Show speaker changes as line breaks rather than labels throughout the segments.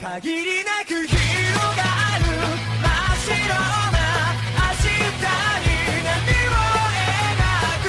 限りなく広がる真っ白な明日に波を描く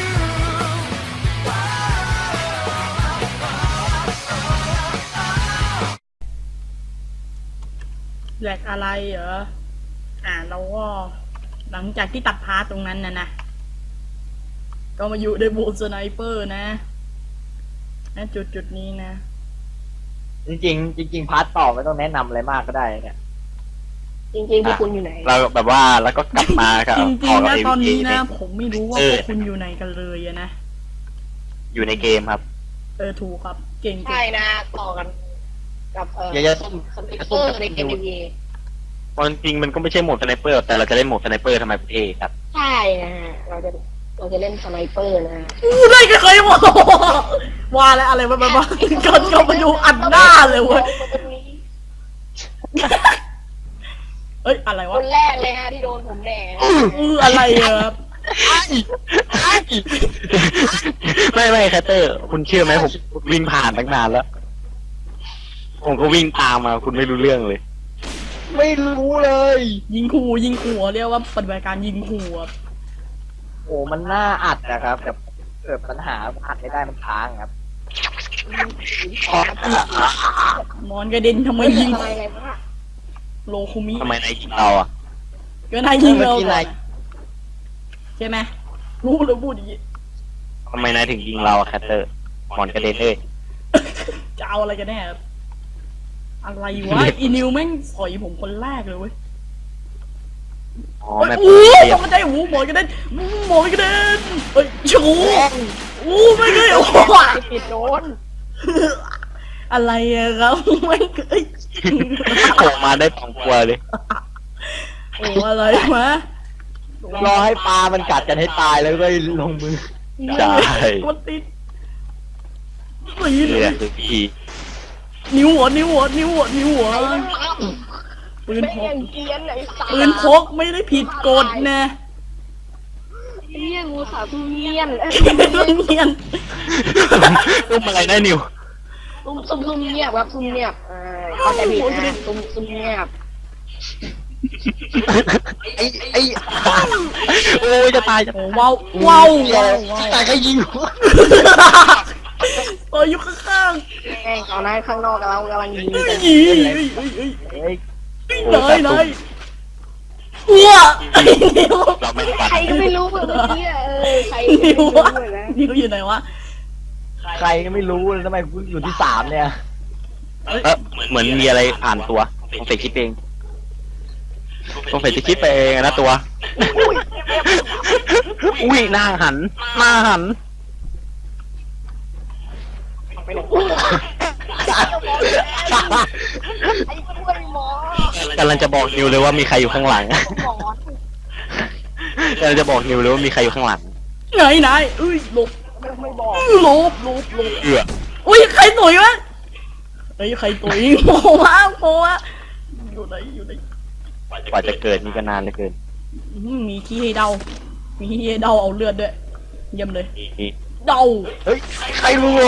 แหลกอะไรเหรอเราก็หลังจากที่ตัดพาร์ตตรงนั้นนะก็มาอยู่ในบูสไนเปอร์นะจุดนี้นะ
จริงพาร์ทต่อไม่ต้องแนะนำอะไรมากก็ได้เนี่ย
จริงๆพวกคุณอยู่ไหน
เราแบบว่าแล้วก็กลับมาครับ
จริงๆนะตอนนี้นะ
เ
ผมไม่รู้ว่าพวกคุณอยู่ไหนกันเลยอะนะ
อยู่ในเกมครับ
ถูกครับเก่ง
ใช่นะต่อกันกับ
อย่าส้ม
สไนเปอร์ในเกมเอ
ตอนจริงมันก็ไม่ใช่โหมดสไนเปอร์แต่เราจะเล่นโหมดสไนเปอร์ทำไมประเทศครับ
ใช่นะฮะเราจะเล่นสไนเปอร์นะฮะ
ได้ก็เคยบอกว่าแล้วอะไรมาก็มาดูอัดหน้าเลยเว้ยเอ้ยอะไร
คว
ะ
นแรกเลยฮะที่โดนผมแดง
อะไรอะครับ
ไม่แคตเตอร์ คุณเชื่อไหมผมวิ่งผ่านตั้งนานแล้ว ผมก็วิ่งตามมาคุณไม่รู้เรื่องเลย
ไม่รู้เลย
ยิงขู่เรียกว่าปฏิบัติการยิงขู่ครับ
โอ้มันน่าอัดนะครับแต่เกิดปัญหาอัดไม่ได้มันค้างครับ
มอนกระเด็นทำไมยิง
อะไรวะ
โลคุมิ
ทำไมนายยิงเราอ่ะ
ก็นายยิงเรา
เมื่อกี้นาย
ใช่ไหมรู้เลยพูดอย่างนี้
ทำไมนายถึงยิงเราอะแคตเตอร์หมอนกระเด็นเลย
จะเอาอะไรกันแน่ครับอะไรวะอีนิวแม่งสอยผมคนแรกเลยเว้ย
อ๋อ
โอ้ย
แม่
อู้
เปรียบ
มันได้หูหมอนกระเด็นหมอนกระเด็นเฮ้ยชูอู้ไม่เคยโอ้
ปิดโดน
อะไรอะครับไม่เคย
โผล่มาได้2ตัวเลย
โอ้อะไรมะ
รอให้ปลามันกัดกันให้ตายแล้วก็ลงมือ
ใช่
มันติดตี
นี่แหละคือพี่
นิ้วหัวปืน
ไม่
พ
ยั
ก
งเกียนเลยสา
ปืนพกไม่ได้ผิดกฎนะ
เฮียงูสาวทุเรียน
เงียน
ตุ้มอะไรนะนิว
ซุ่มเงียบครับซุ่มเงียบเข้าใจผิดนะซุ่มเงียบ
ไอ้
โอ้ยจะตายจะ
โอ้ว้าว
แต่ก็ยิง
อยู่ข้าง
แม่งตอนนั้นข้างนอกเรากำลังยิง
ๆ
กัน
ยี
เฮ้ย
เลยอ้วนิ้ว
เราไม่ปัด
ใครก็ไม่รู้เมื่อกี้ใครก็ไม่
นิ้ว
รู้
วะ
เลยนะ
นิ้วอยู่ไหนวะ
ใครก็ไม่รู้เลยทำไมคุณอยู่ที่3เนี่ย
เหมือนมีอะไรผ่านตัวผมใส่คิดเองต้องใส่คิดไปเองนะตัวอุ้ยหน้าหัน
ไปไหนไอ้กล้วยหมอก
ำลังจะบอกนิวเลยว่ามีใครอยู่ข้างหลัง
หมอก
ำลังจะบอกนิวเลยว่ามีใครอยู่ข้างหลัง
ไหนหลบ
ไม่บอก
หลบ
เอื้อ
อุ้ยใครตุ๋ยวะใครตุ๋ยโผล่มาอยู่ไหน
กว่าจะเกิดนี่ก็นานเหลือเกิน
มีที่ให้เดาเอาเลือดด้วยเยี่ยมเลย
นี่
เดา
เฮ้ยใครรู้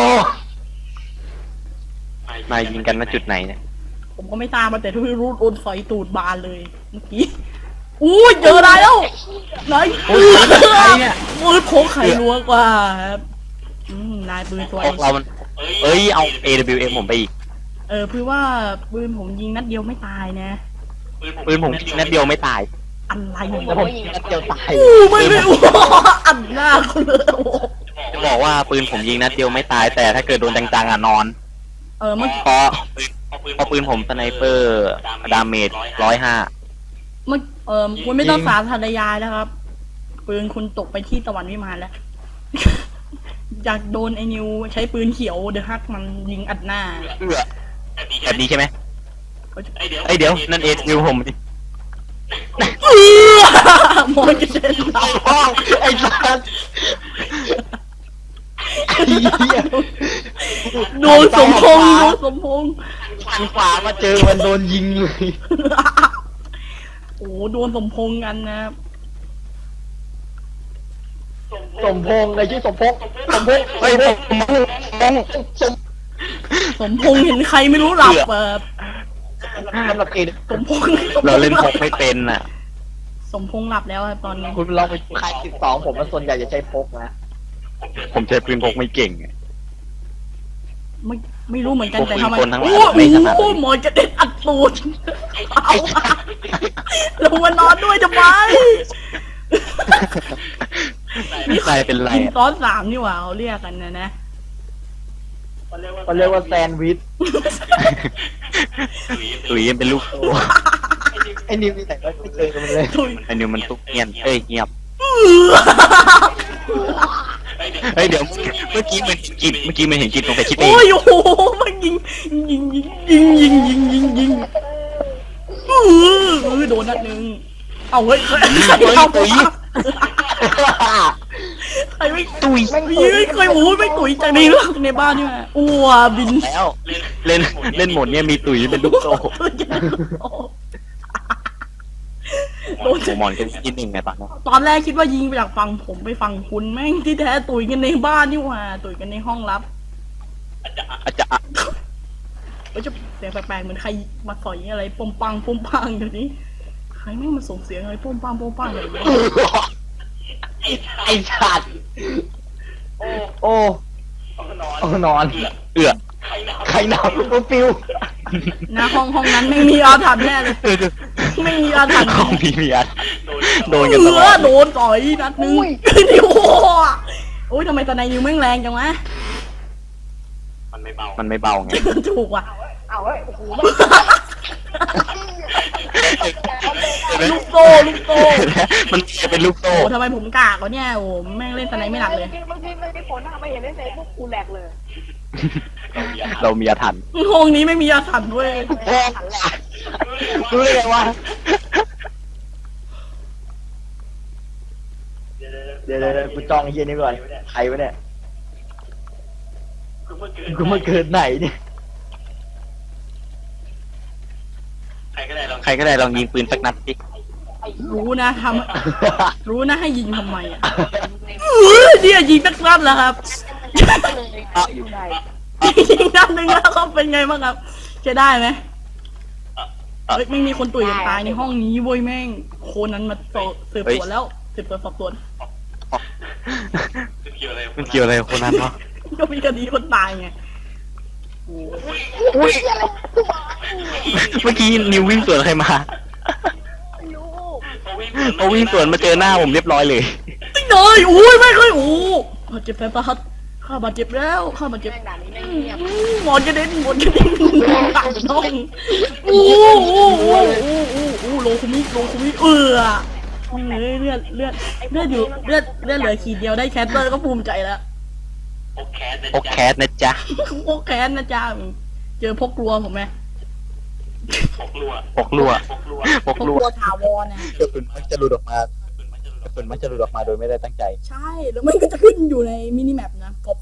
นายยิงกันณจุดไหนเนี่ย
ผมก็ไม่ทราบมาแต่ที่รู้โดนสอยตูดบานเลยเมื่อกี้เจอได้แล้วไหนปืนพกไข่รัวกว่าครับนายปืนตัว
พวกเรามันเอ้ยเอา AWM ผมไปอีก
เพื่อว่าปืนผมยิงนัดเดียวไม่ตายนะ
ปืนผมยิงนัดเดียวไม่ตาย
อะไร
แล้วผมยิงนัดเดียวตาย
ไม่อันหน้าเขาเลย
จะบอกว่าปืนผมยิงนัดเดียวไม่ตายแต่ถ้าเกิดโดนจังๆอ่ะนอน
เมื่อ
เพราะปืนผมสไนเปอร์ดาเมจ105
คุณไม่ต้องสาธารณยายแล้วครับ ปืนคุณตกไปที่ตะวันวิมานแล้ว อยากโดนไอ้นิวใช้ปืนเขียวเดอะฮักมันยิงอัดหน้า
เอื้อแบบนี้ใช่ไหมไอเดี๋ยวนั่นนิวผมดิ
มอนกระเด็นเรา
ไอ้สัส
โดนสมพงษ์
ทางขวามาเจอมันโดนยิงเลย
โอ้โดนสมพงษ์กันนะ
สมพงษ์ในชื่อสมพงษ์
เฮ้ย
สมพงษ์เห็นใครไม่รู้หลับ
สำหรับเกม
สมพงษ์
เราเล่นพกไม่เป็นอ่ะ
สมพงษ์หลับแล้วครับตอนนี้
คุณลองไปค่าย12ผมมันส่วนใหญ่จะใช้พกนะ
ผมใช้ปืนพกไม่เก่งอะ
ไม่ไม่รู้เหมือนกันแต่ทำไม
พวกปืนกลทั้งหลาย
โอ้
ไม่ถนัด
โหหมอนกระเด็นอัดตูดเอาลงมานอนด้วยทำไม
นี่ใครเป็นไร
กิน
อะ
ซ้อนสามนี่หว่าเขาเรียกกันนะ
มันเรียกว่าแซนด์วิช
ตุยเป็นลูกโซ่
ไอ้นิวนี่ไหนก็ไม่เคยกันเลย
ถุย
ไอ้นิวมันตุกเงียบเงียบเฮ้ยเดี๋ยวเมื่อกี้มันเห็นกิจเมื่อกี้มันเห็นกิจตรงไปคิดเอง
โอ้ยโอ้โหมันยิงโดนนัดหนึ่งเอาเฮ้ยใครเอาไปใครไม่
ตุย
ไม่เคยหมูไม่ตุ๋ยจากในเรื่องในบ้านนี่มาอ้วบิน
แล้วเล่นหมดเนี่ยมีตุยเป็นลูกโซ่
โดน
หมอนกันที่หนึ่งไงปะเนาะ
ตอนแรกคิดว่ายิงไปจากฝั่งผมไปฝั่งคุณแม่งที่แท้ตุ๋ยกันในบ้านนี่หว่าตุ๋ยกันในห้องลับ
อาจจะ
ก็จะเสียงแปลกๆเหมือนใครมาสอยอะไรปมปังเดี๋ยวนี้ใครแม่งมาส่งเสียงอะไรปมปังแบบนี้
ไอ้สัตว์โอ้นอน
เอื้อ
ใครหนาวโอ้ฟิว
หน้าห้องนั้นไม่มีอาถรรพ์แน่เลยไม่มีอาถรรพ์
ของพี่เมียโดนกันตลอด
โดนต่อยนัดนึงนี่โอ้ยทำไมตอนนายยิงแม่งแรงจังวะ
มันไม่เบาไง
ถูกว่ะ
เอาเฮ้ยโอ้โห
ลูกโซ่
มันจะเป็นลูกโซ่
โอ้ทำไมผมกากวะเนี่ยโอ้แม่งเล่นตอนไหนไม่หนักเลย
บางทีไม่ได้ผลนะไม่เห็นได้เลยพวกกูแหลกเลย
เรามีอาถรรพ์
ห้องนี้ไม่มีอาถรรพ์ด้วย
รู้ได้ไงวะเดี๋ยวกูจองไอ้เฮียนี่ก่อนใครวะเนี่ยกูมาเกิดไหนเนี่ย
ใครก็ได้ลองยิงปืนสักนัดสิ
รู้นะรู้นะให้ยิงทำไมอ่ะเนี่ยยิงนักนัดแล้วครับ
อยู่ไหน
ยิงนัดหนึ่งแล้วเขาเป็นไงบ้างครับจะได้ไหมเฮ้ยไม่มีคนตุ๋ยกันตายในห้องนี้เว้ยแม่งโคนั้นมาสืบสวนแล้วสืบสวนสอบสวน
มันเกี่ยวอะไรกับคนนั้นวะ
ก็มีคดีคนตายไง
อุ้ยเมื่อกี้นิววิ่งสวนใครมาเขาวิ่งสวนมาเจอหน้าผมเรียบร้อยเลย
ติ๊งเลยอุ้ยไม่เคยโอ้บาดเจ็บแผลประหัตข้าบาดเจ็บแล้วข้าบาดเจ็บ
แม่งด่านนี้ไม่เงียบ
หมอนกระเด็นตัดน้องโอ้โลคุมิเลือดอยู่เลือดเหลือขีดเดียวได้แคสเตอร์ก็ภูมิใจแล้ว
โอแคสนะจ๊ะ
พกแค้นนะจ๊ะเจอพกกลัวผมไหม
ปกลัว
ถาวรนะ
กระสุนมักจะหลุดออกมาโดยไม่ได้ตั้งใจ
ใช่แล้วมันก็จะขึ้นอยู่ในมินิแมปนะป๊อป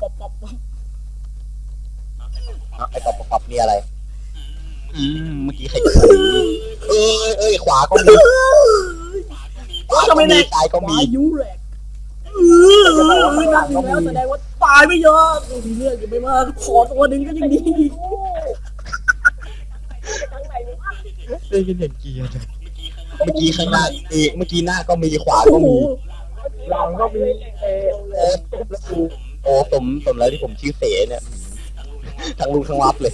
ไอ้ปอบนี่อะไรเมื่อกี้ใครขวาก็มี
ทำไมเนี่ย
ตายก็มี
ยูแรกนัดหนึ่งแล้วแสดงว่าตายไม่เยอะมีเลือดอยู่ไม่มากขอตัวหนึ่งก็ยังดี
ทั้งไหนวะ
ได้ยินเห็นเกียร์เมื่อกี้ข้างหน้าเมื่อกี้หน้าก็มีขวาก็
โอ้โห
มี
หลังก็มี
โอ้สมแล้วที่ผมชื่อเสเนี่ยทั้งลุงทั้งรับเลย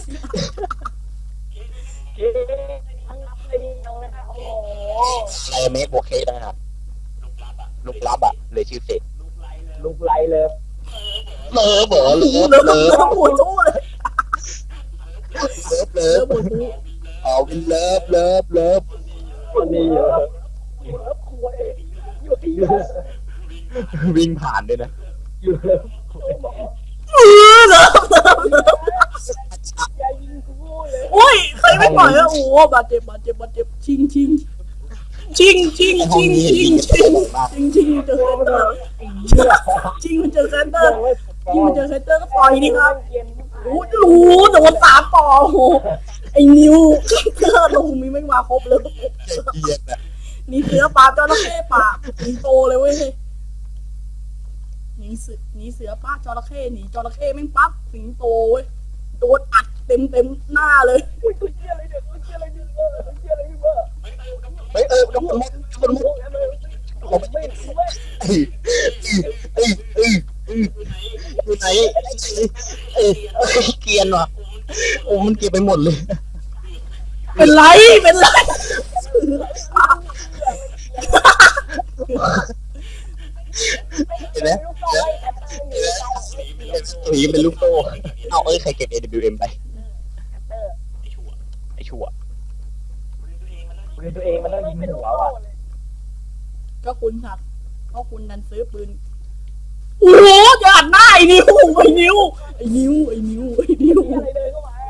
ทั้งรับเลยดีน้องนะคะโอ้โห
อะไรเมคโอเคต่างหากลูกรับอ่ะเลยชื่อเส
ลูกไรเลย
เลิฟเหรอ
เลิฟปวดตู้เลย
เลิฟ
ปวดตู้
เอาเป็นเลิฟ
มันมีเยอะ
วิ่งผ่านด้วยนะ
อยู่เลย
เลิฟโอ้ยใครไม่ปล่อยอะโอ้บาดเจ็บชิงเจอเซนเตอร์มันเจอเซนเตอร์ก็ปล่อยดิครับโอ้โดนสามต่อโอ้ไอ้นิวเกอร์ลงมีไม่มาครบเลย
เกียร์นะ
นี่เสือป่าจระเข้ป่าสิงโตเลยเว้ยนี่เสือป่าจระเข้หนีจระเข้แม่งปั๊บสิงโตเว้ยโดนอัดเต็มหน้าเลย
อุ้ยตัวเชี่ยอะไรเนี่ยตัวเชี่ยอะไรเนี่ยโอ้
กระสุนหมดผมไม่อยู่ไหนเกรียนว่ะโอ้มันเก็บไปหมดเลย
เป็นไรเป็นไร
เห็นไหมหนีเป็นลูกโซ่เอาใครเก็บ AWM ไปไอ้ชั่ว
ปืนตัวเองมันต้องยิงหัวว่ะ
ก็คุณครับก็คุณดันซื้อปืนโอ้โหจะอัดหน้าไอ้นิวไอ้นิวไอ้นิวไอ้นิวไอ้นิว
อะไรเดินเข้ามา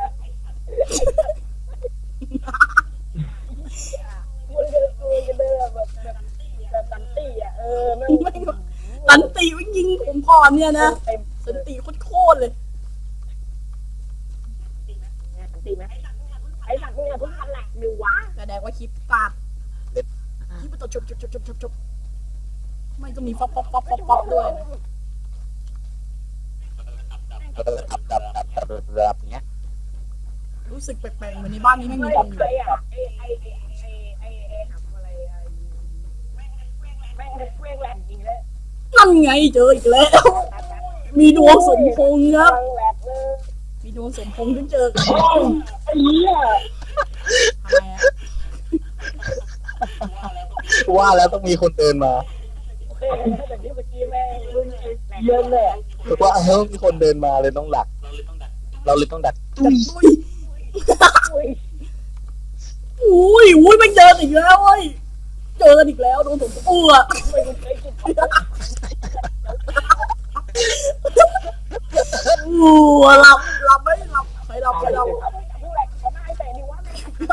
มันเดินแบบสันติอ่ะไม่
สันติวิ่งยิงผมก่อนเนี่ยนะ
เต็ม
สันติโคตรเลย
สันติไหมไอ้สัตว์เนี่ยทุกคนแหลกดูวะ
แสดงว่าคลิปตัดคลิปมันต่อจบไม่ก็มีป๊อปด้วยนะ
ดับเงี้ย
รู้สึกแปลกๆเหมือนในบ้านนี้ไม่มีคนอยู่
ไอ้อะไอ้ทำอะไรแม่งเฟี้ยงแหลกจริงเลย
นั่นไงเจออีกแล้ว มีดวงสมพงษ์ครับ
แหลกเลย
มีดวงสมพงษ์ถึงเจอกัน
ไอ้เหี้ย
ทำไมอะ
ว่าแล้วต้องมีคนเดินมา
โอเคแต่ที่เมื่อกี้แม่งเยอะเลย
ว่ามีคนเดินมาเลยต้องดัก เราเลยต้องดัก
อุ้ยอุ้ยไม่เจออีกแล้วเว้ยเจอกันอีกแล้วโดนผมอ้วกหลับไม่หลับใครหลับ
แหลกเขาหน้าไอ้แต่ดิวะ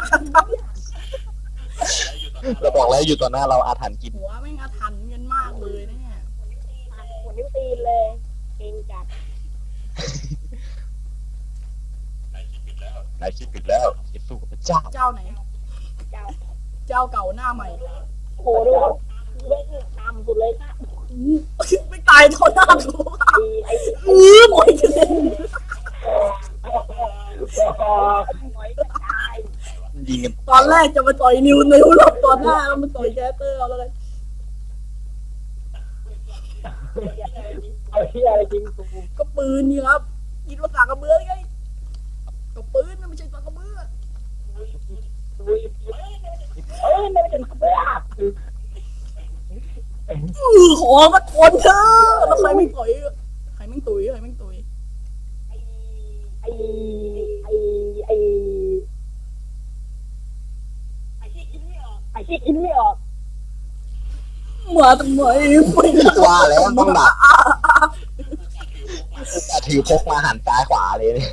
เราบอกแล้วอยู่ต่อหน้าเราอาถรรพ์กิน
หัวแม่งอาถรรพ์เงินมากเลยเนี่ย
หัวนิ้วตีนเลยเก่งจัด
นายคิดผิดแล้วคิดสู้กับพระเจ้า
เจ้าไหน
เจ้า
เจ้าเก่าหน้าใหม่
โหดูเว้ยตามสุดเลยค่ะ
ไม่ตายเท่าหน้าถูก
ไอ้
หมดเลย
หอยกระจาย
ยิงกัน
ตอนแรกจะมาต่อยนิวหลบตอนหน้าแล้วมาต่อยแคสเตอร์เอาแล้วกัน
เอาเหี้ยอะไรจริงกู
ก็ปืนนี่ครับคิดว่าสากกระเบือไงก็ปืนไม่ใช่สากกระเบือ
ไม่เป็นเบื่อ
ขอมาทนเถอะแล้วใครไม่ต่อยใครไม่ตุย
ไอ้ที่คิดไม่ออก
มาทำไมไม่
ว่าแล้วต้องดักจะถือพกมาหันซ้ายขวาเลยเนี่ย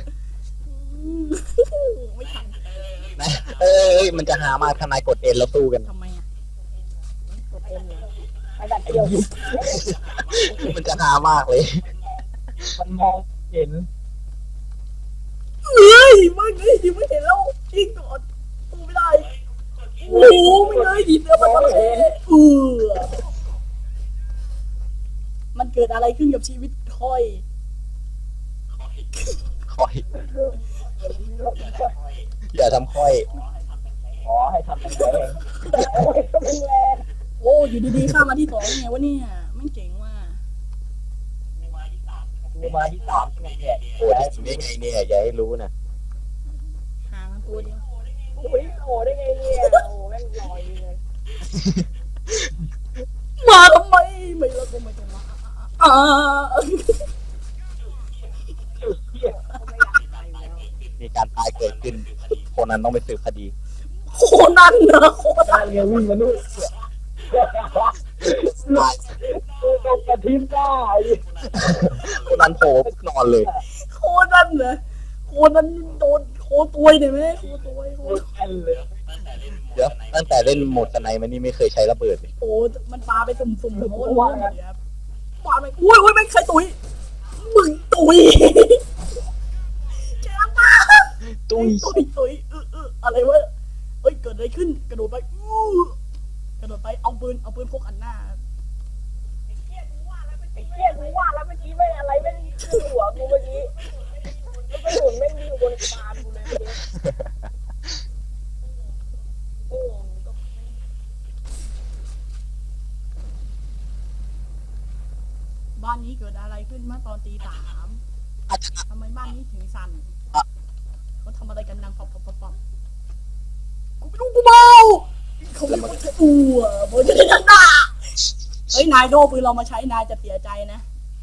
ไม่ทัน
นะมันจะหามากทนายกดเอ็นแล้วสู้กัน
ทำไมอ่ะ
กดเอ็มเลยไอ้แบบเดียว
มันจะหามากเลย
มันมองเห็น
เฮ้ยไม่เห็นแล้วยิงก่อนสู้ไม่ได้โอ้โหไม่เลยดีเสือมันเละมันเกิดอะไรขึ้นกับชีวิตทอย
ค่อย อย่าทำค่อย
ขอให้ทำเป็นเอง
โอ้อยู่ดีๆข้ามาที่สองไงวะเนี่ยไม่เจ๋งว่ะ
กูมาที่สามที่เนี่ย
โอ้ยได้ไงเนี่ยอย่าให้รู้นะ
ห่างกันตัวเดียว
โอ้ยโหได้ไงเนี่ยโอ้แม่งลอยเลย
มาทำไมไม่เลิกก็ไม่ต้องมา
มีการตายเกิดขึ้น คนนั้นต้องไปสืบคดี
โคนันนะโคนั
ตาน เรียวิ่งมานู่น
ตาย
กูโดนกระทิบได้
คนนั้นโผล่นอนเลย
โคนันนะโคนันโดนโคตัวยเนี่ยไหมโคตัวยโค
แอนเลย
เดี๋ยวตั้งแต่เล่นโหมดสไนมันนี่ไม่เคยใช้ระเบิดเลย
โอ้มันปาไปสุ่มๆโคตรรู้เลยครับปาไปอุ้ยไม่ใครตุยมึงตุยแกปา
ตุ้ย
ตุยอะไรวะเอ้ยเกิดอะไรขึ้นกระโดดไปกระโดดไปเอาปืนพกอันหน้า
ไอ้เหี้ยกูว่าแล้วเมื่อกี้ไม่อะไรไม่ขึ้นหัวกูเมื่อกี้แล้วก็หมุนไม่อยู่บนคานกูเลยโอ้
บ้านนี้เกิดอะไรขึ้นเมื่อตอนตีสามทำไมบ้านนี้ถึงสั่นเขาทำอะไรกันดังปอบกูไม่รู้กูเมาเขาไม่รู้จะอ้วโบจะได้ทันด่าเฮ้ยนายโดปืนเรามาใช้นายจะเสียใจนะ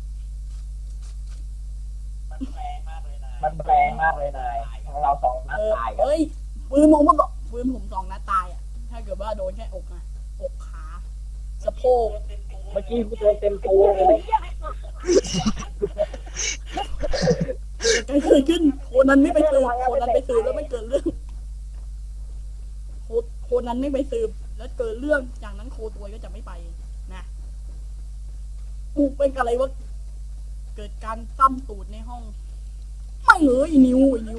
มันแรงมากเลยนายของเราสองนัดตายกัน
เฮ้ยปืนผมมันบอกปืนผม2 นัดตายอ่ะถ้าเกิดว่าโดนแค่อกนะอกขาสะโพก
เมื่อกี้กูโดนเต็มตัวเลย
เกิดขึ้นโคนันไม่ไปสืบโคนันไปสืบแล้วไม่เกิดเรื่องโคนันไม่ไปสืบแล้วเกิดเรื่องจากนั้นโคตัวก็จะไม่ไปนะกูเป็นอะไรวะเกิดการซ้ำตูดในห้องไม่เลยนิว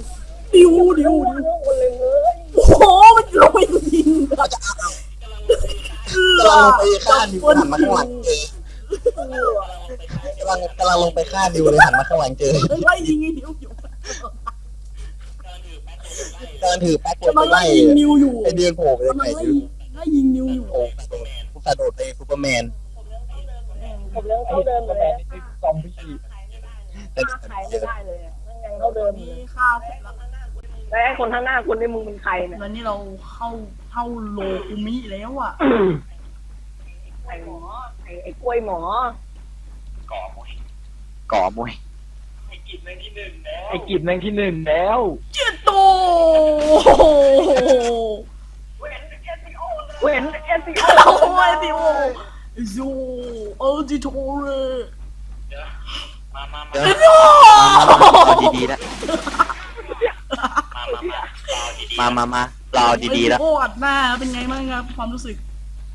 โอ้โหมันลงไปยิงแบบ
กำลังลงไปฆ่านิวหันมาข้างหลังเจอกำลังลงไปฆ่านิวเลยหันมาข้างหลังเจอ
ไล่ยิงไอ้นิวอยู่
กำลังถือแป๊ก
กำลังไล่ยิงนิวอยู่
ไอเดือนโผล่ไปเลย
กำ
ไห
ลั
น
งไล่ยิงนิวอยู่
โผล่กระโดดไปซูเปอร์แมน
ผมยังเท่าเดิมเลย
ซอมบี้
แต่
ใครไม่ได้เลยมันยังเท่าเดิม
มีข้าวเสร็จแล้ว
แต่คนข้างหน้าคุณนี่มึงเป็นใครเนี่ย
แล้วนี่เราเข้าโลคุมิแล้วอ่ะ
ไอ้หมอไอ้กล้วยหมอ
ก่อมวย
ไอ้กิจแม่งที่หนึ่งแล้ว
เจ็ดโต
เว้นเอสซีโอ
โอ้ยดิโอโยเออจิโตเร
เอาดีๆแล้วมาเราดีๆแล้ว
โอ้อัดหน้าเป็นไงบ้างครับความรู้สึก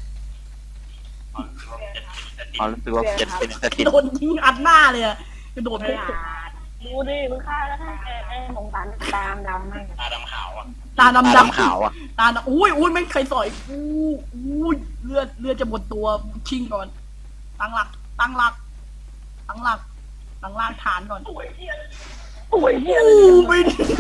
เอารู้สึกว่าเจ็ดเป็นสถิต
โดนยิงอัดหน้าเลยอะกระโดดพุ่ง
ดูดิมึงฆ่าแล้วไอ้มองตาตามดำมั่ง
ตา
ตา
ดำ
ดำขาวอ่ะ
ตาดำอุ้ยไม่เคยสอยอุ้ยเลือดจะหมดตัวชิงก่อนตั้งหลักฐานก่อน
โอ้ยเฮีย
ไม่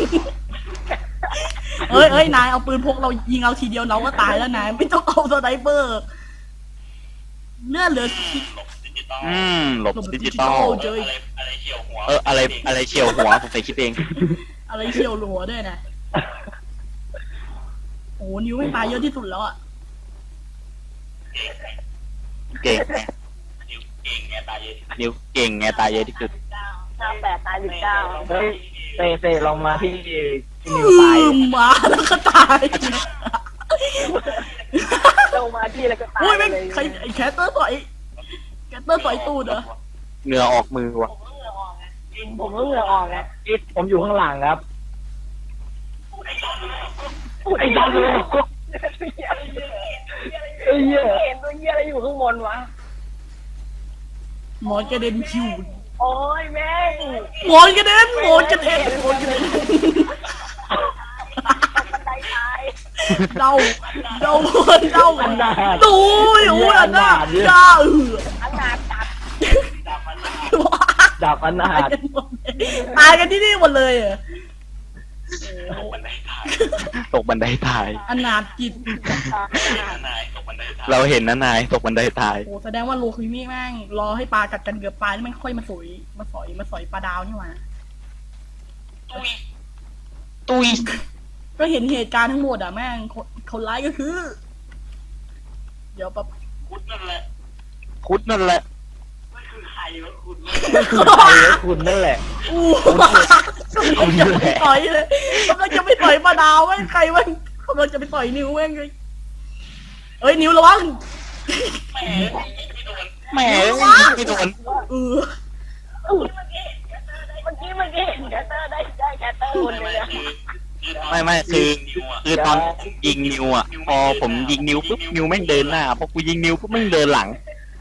เอ้ยนายเอาปืนพกเรายิงเอาทีเดียวเราก็ตายแล้วนายไม่ต้องเอาสไนเปอร์เลือดเหลือ
หลบดิจิตอล
เจอ
อะไรเฉียวหัวผมไปคิดเอง
อะไรเฉียวหัวด้วยนะโอ้นิ้วไม่ตายเยอะที่สุดแล้วอ่ะ
เก่งไงนิ้วเก่งไงตายเยอะที่สุด
58ตาย19
เฮ้ยเต้ลองมาที่นิวตาย
มาแล้วก็ตาย
ลงมาที่แล้วก็ตาย
อุ้ยไม่
เลย
ใครไอ้แคตเตอร์ต่อยตูดเหรอ
เหงื่อออกมือว่ะ
ผมก็เหงื่อออกไง
ผมอยู่ข้างหลังครับไอ้ดำเลย
เฮ้ยเห็นตัวเหี้ยอะไรอยู่ข้างบนวะ
หมอนกระเด็นคิว
โอ้ยแม่ง
หมอนกระเด็น
บันไดตาย
เดาดูอันน่ะด่า
อนาถจัด
ดับอนาถ
ตายกันที่นี่หมดเลยอ่ะ
ตกบันไดตาย
อนาถจิต
เราเห็นนะนายตกบันไดตาย
โอ้แสดงว่าโลคุมิแม่งรอให้ปลากัดกันเกือบตายแล้วไม่ค่อยมาสอยปลาดาวนี่หว่า
ตุย
ก็เห็นเหตุการณ์ทั้งหมดอ่ะแม่งคนร้ายก็คือ เดี๋ยวแบบ
คุดนั่นแหละ
คุณนั่นแหละ
อู้กำลังจะไปต่อยเลยกำลังจะไปต่อยปลาดาวแม่งใครแม่งกำลังจะไปต่อยนิ้วแม่งเลยเอ้ยนิ้วระวัง
แหมไม่โดน
เออ
เมื่อกี้แคตเตอร์ได้แคตเตอร์คนเลยนะ
ไม่คือตอนยิงนิวอ่ะพอผมยิงนิวปุ๊บนิวแม่งเดินหน้าพอกูยิงนิวปุ๊บแม่งเดินหลัง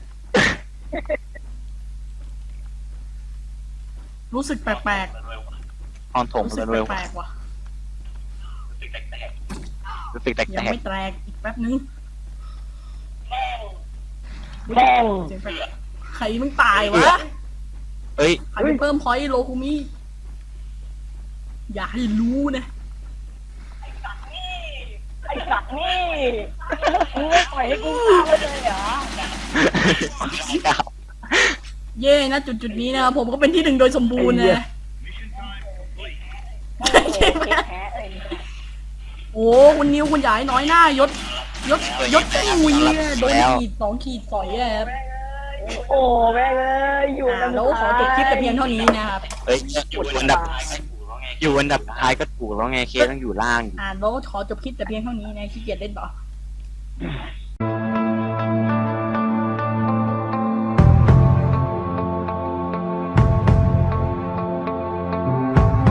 รู้สึกแปลก
ตอนถม
ๆรู้สึก
เร็ว
แปลกๆว่ะ
รู้สึกแต
ยัง
ก
ไม่แตกอีกแป๊บนึง
แม่ง
เสียงแปลกใครมึงตายวะ
ๆเอ้ย
ใครไปเพิ่มพอยต์โลคุมิอย่าให้รู้นะ
ไอ้สัตว์นี่มึงไม่ปล่อยให้กูฆ่าเลยเหรอ
เย่นะจุดนี้นะครับผมก็เป็นที่หนึ่งโดยสมบูรณ์นะ
แพ้เอ้ย
โอ้คุณนิวคุณใหญ่น้อยหน้ายศอุ้ยโดนขีด2 ขีดสอยอะครับ
โอ้แม่งเอ้ยอยู่
แล้วขอจบคลิปแต่เพียงเท่านี้นะครับ
เฮ้ยอยู่อันดับท้ายก็ถูกแล้วไงเคต้องอยู่ล่าง
แล้วขอจบคลิปแต่เพียงเท่านี้นะขี้เกียจเล่นต่อ